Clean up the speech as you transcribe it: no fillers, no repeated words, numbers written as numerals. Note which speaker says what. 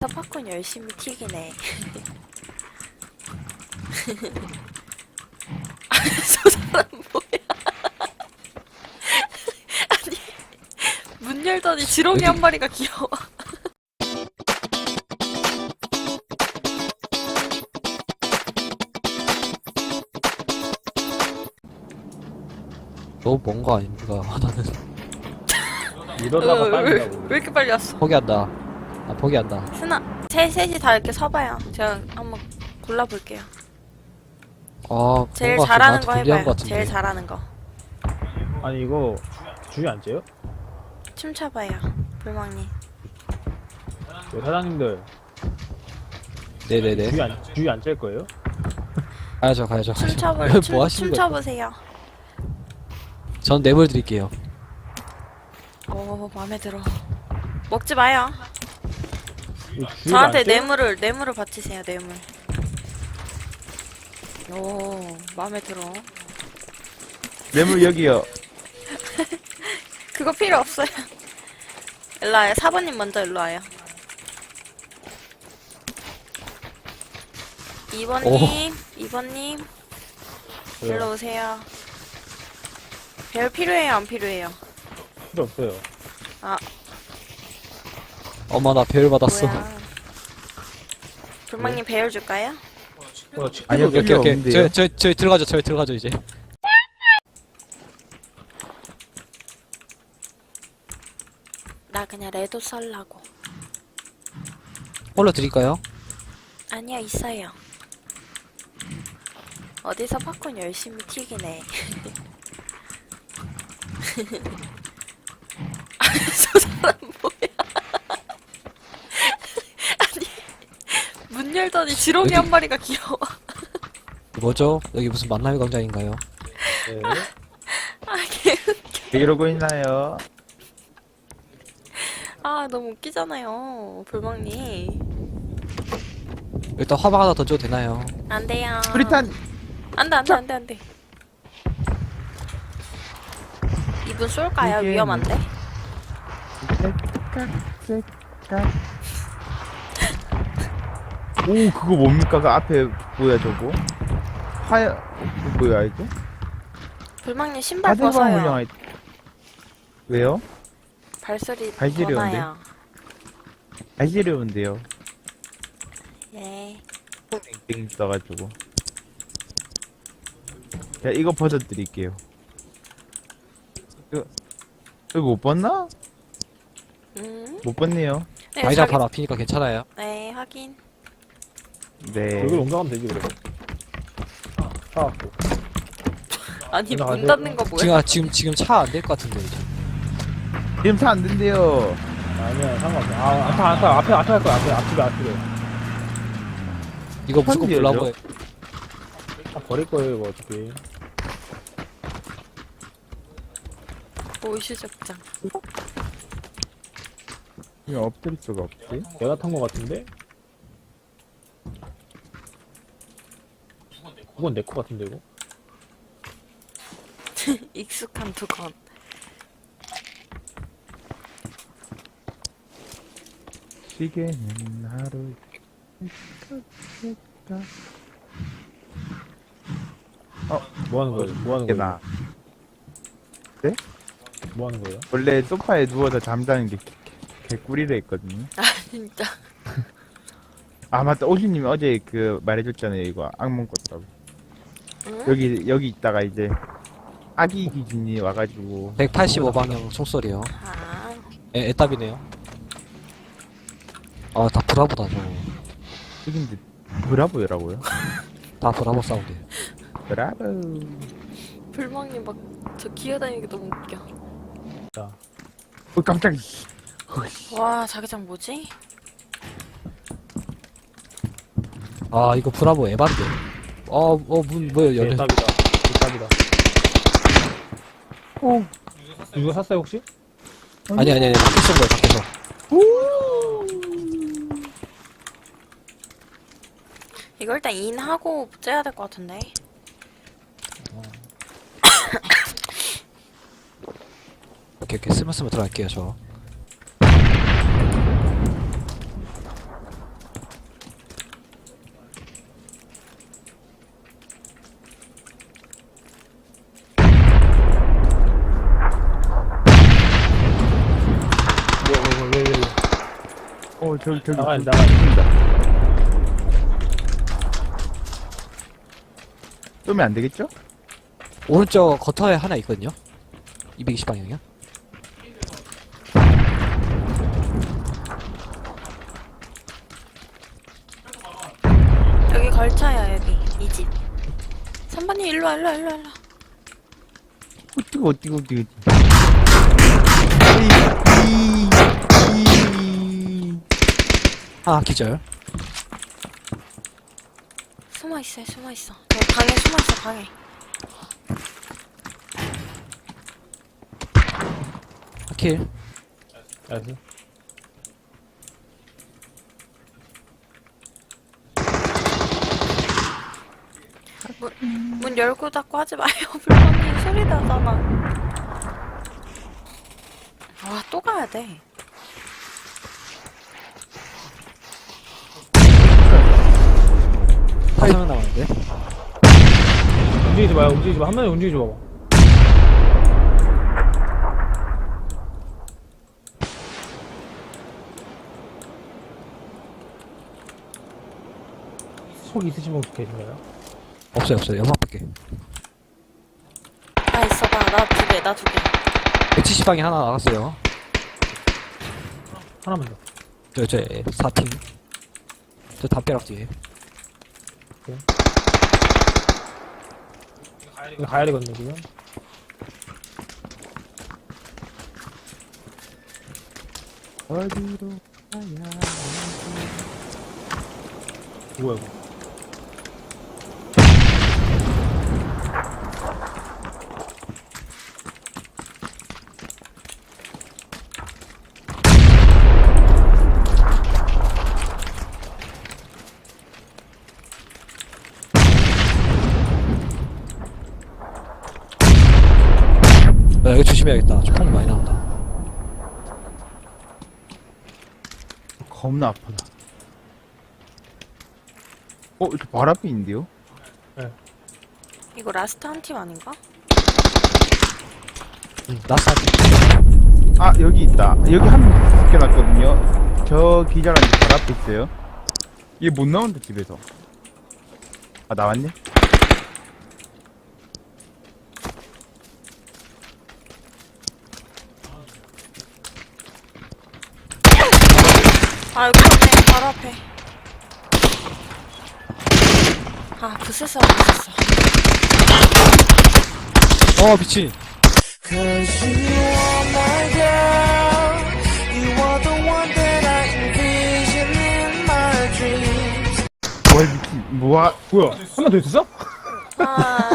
Speaker 1: 팝콘 열심히 튀기네. 저 사람 뭐야? 아니 문 열더니 지렁이 한 마리가 귀여워.
Speaker 2: 너 뭔가 아닙니까? 나는
Speaker 3: 이러다가
Speaker 1: 왜
Speaker 3: 빨리라고.
Speaker 1: 이렇게 빨리 왔어?
Speaker 2: 포기한다. 나 포기한다.
Speaker 1: 셋이 다 이렇게 서봐요. 제가 한번 골라볼게요.
Speaker 2: 아,
Speaker 1: 제일
Speaker 2: 뭔가
Speaker 1: 잘하는
Speaker 2: 나한테
Speaker 1: 거
Speaker 2: 불리한
Speaker 1: 해봐요.
Speaker 2: 것 같은데.
Speaker 1: 제일 잘하는 거.
Speaker 3: 아니 이거 주위 안 째요?
Speaker 1: 춤춰봐요. 불망님.
Speaker 3: 사장님들
Speaker 2: 네네네.
Speaker 3: 주위 안 짤 거예요?
Speaker 2: 가야죠, 가야죠.
Speaker 1: 춤춰볼
Speaker 2: 뭐
Speaker 1: 춤
Speaker 2: 하시는 거예요?
Speaker 1: 춤춰보세요.
Speaker 2: 전 뇌물 드릴게요.
Speaker 1: 오 마음에 들어. 먹지 마요.
Speaker 3: 이거 주위를
Speaker 1: 저한테
Speaker 3: 안 째요?
Speaker 1: 뇌물을 바치세요. 뇌물. 오 마음에 들어.
Speaker 4: 뇌물 여기요.
Speaker 1: 그거 필요 없어요. 일로 와요. 4번님 먼저 일로 와요. 2번님, 2번님,
Speaker 3: 왜요?
Speaker 1: 일로 오세요. 별 필요해요? 안 필요해요?
Speaker 3: 필요 없어요.
Speaker 2: 엄마, 나 배열 받았어.
Speaker 1: 뭐야. 불망님 배열 줄까요?
Speaker 4: 아니요,
Speaker 2: 오케이,
Speaker 4: 필요
Speaker 2: 오케이.
Speaker 4: 없는데요.
Speaker 2: 저희 들어가죠, 저희 들어가죠, 이제.
Speaker 1: 나 그냥 레도 썰라고.
Speaker 2: 홀로 드릴까요?
Speaker 1: 아니요, 있어요. 어디서 팝콘 열심히 튀기네. 저 사람 뭐야? 아니 문 열더니 지렁이 한 마리가 귀여워.
Speaker 2: 뭐죠? 여기 무슨 만남의 광장인가요?
Speaker 3: 네.
Speaker 1: 아 개웃겨.
Speaker 4: 왜 이러고 있나요?
Speaker 1: 아 너무 웃기잖아요, 불멍님.
Speaker 2: 일단 화방 하나 던져도 되나요?
Speaker 1: 안 돼요.
Speaker 4: 프리탄
Speaker 1: 안돼. 이분 쏠까요?
Speaker 4: 이게
Speaker 1: 위험한데?
Speaker 4: 오, 그거 뭡니까? 그 앞에 뭐야 저거? 화야 뭐야 이거?
Speaker 1: 불망님 신발
Speaker 4: 하드방
Speaker 1: 벗어요.
Speaker 4: 훈련. 왜요?
Speaker 1: 발소리
Speaker 4: 발시려운데?
Speaker 1: 더 나요.
Speaker 4: 아시려운데요.
Speaker 1: 예.
Speaker 4: 땡땡 써가지고. 자, 이거 벗어드릴게요. 이거 못 벗나? 못 벗네요.
Speaker 1: 네,
Speaker 2: 자기장
Speaker 1: 자기-
Speaker 2: 바로 앞이니까 괜찮아요.
Speaker 1: 네, 확인.
Speaker 4: 네.
Speaker 3: 여기로 옮겨가면 되지 그래. 사갖고.
Speaker 1: 아니 문
Speaker 3: 나가세요.
Speaker 1: 닫는 거 뭐야?
Speaker 2: 지금 차 안 될 것 같은데, 이제.
Speaker 4: 지금 차 안 된대요.
Speaker 3: 아니야 상관없어. 안타 앞에 할 거야. 앞집에.
Speaker 2: 이거 무조건
Speaker 4: 현지예요?
Speaker 2: 불나고
Speaker 3: 버릴 거예요 이거 어차피.
Speaker 1: 보이시적장.
Speaker 4: 이거 엎드릴 수가 없지.
Speaker 3: 내가 탄 거 같은데? 그건 내 거 같은데 이거?
Speaker 1: 익숙한 두건.
Speaker 4: 시계는 하루.
Speaker 3: 뭐 하는 거예요? 뭐 하는
Speaker 4: 이게
Speaker 3: 거예요?
Speaker 4: 나.
Speaker 3: 뭐 하는 거예요?
Speaker 4: 원래 소파에 누워서 잠자는 게 개꿀이라 했거든요.
Speaker 1: 아 진짜.
Speaker 4: 아 맞다, 오주님이 어제 그 말해줬잖아요. 이거 악몽 꿨다고.
Speaker 1: 응?
Speaker 4: 여기 있다가 이제 아기 기준이 와가지고
Speaker 2: 185방향 총소리요.
Speaker 1: 아
Speaker 2: 애답이네요. 아, 다 브라보다, 저거.
Speaker 4: 여긴데 브라보라고요?
Speaker 2: 다 브라보 사운드.
Speaker 4: 브라보.
Speaker 1: 불멍님 막 저 기어다니는 게 너무 웃겨.
Speaker 4: 깜짝이야.
Speaker 1: 와 자기장 뭐지?
Speaker 2: 아, 이거 브라보 에반데. 뭐야, 열려.
Speaker 3: 대답이다.
Speaker 4: 오.
Speaker 3: 이거 샀어요 혹시?
Speaker 2: 아니, 밖에서 쏜 거야, 밖에서.
Speaker 1: 이거 일단 인하고 째야 될 것 같은데.
Speaker 2: 오케이, 스무스무 들어갈게요, 저.
Speaker 4: 저기
Speaker 3: 나가야 돼,
Speaker 4: 있습니다. 쏘면 안 되겠죠?
Speaker 2: 오른쪽 거터에 하나 있거든요. 220방향이요.
Speaker 1: 여기 걸쳐요, 여기. 이 집. 3번님, 일로와.
Speaker 4: 어띠고.
Speaker 2: 하나 기절.
Speaker 1: 숨어있어요. 저 방에 숨어있어, 방에.
Speaker 2: 킬.
Speaker 3: 알았어.
Speaker 1: 문 열고 닫고 하지 마요. 불만님 소리 나잖아. 와, 또 가야 돼.
Speaker 2: 다섯 명 남았는데.
Speaker 3: 움직이지 마요, 움직이지 마. 한 명이 움직이지 마봐. 속 있으신 분 계신가요?
Speaker 2: 없어요. 연막밖에.
Speaker 1: 나 있어, 나 두 개.
Speaker 2: 170방에 하나 나갔어요.
Speaker 3: 하나만 더.
Speaker 2: 저 4팀. 저 담벼락 뒤에.
Speaker 3: 이거 가야 되거든요, 지금.
Speaker 4: 어디로 가야
Speaker 3: 뭐야, 이거.
Speaker 2: 여기 조심해야겠다. 총이 많이 나온다.
Speaker 4: 겁나 아프다. 저 발 앞에 있는데요?
Speaker 1: 이거 라스트 한 팀 아닌가?
Speaker 2: 나스
Speaker 4: 아, 여기 있다. 여기 한 명 붙여놨거든요. 저 기자랑 발 앞에 있어요. 얘 못 나온다, 집에서. 아, 나왔네?
Speaker 1: 아, 여기 있네. 바로 앞에. 아, 부스스.
Speaker 2: 미친.
Speaker 5: Cause you are my girl. You are the one that I envision in my dreams.
Speaker 4: 와, 미친. 뭐야?
Speaker 3: 뭐야, 한 명 더 있었어?
Speaker 1: 아,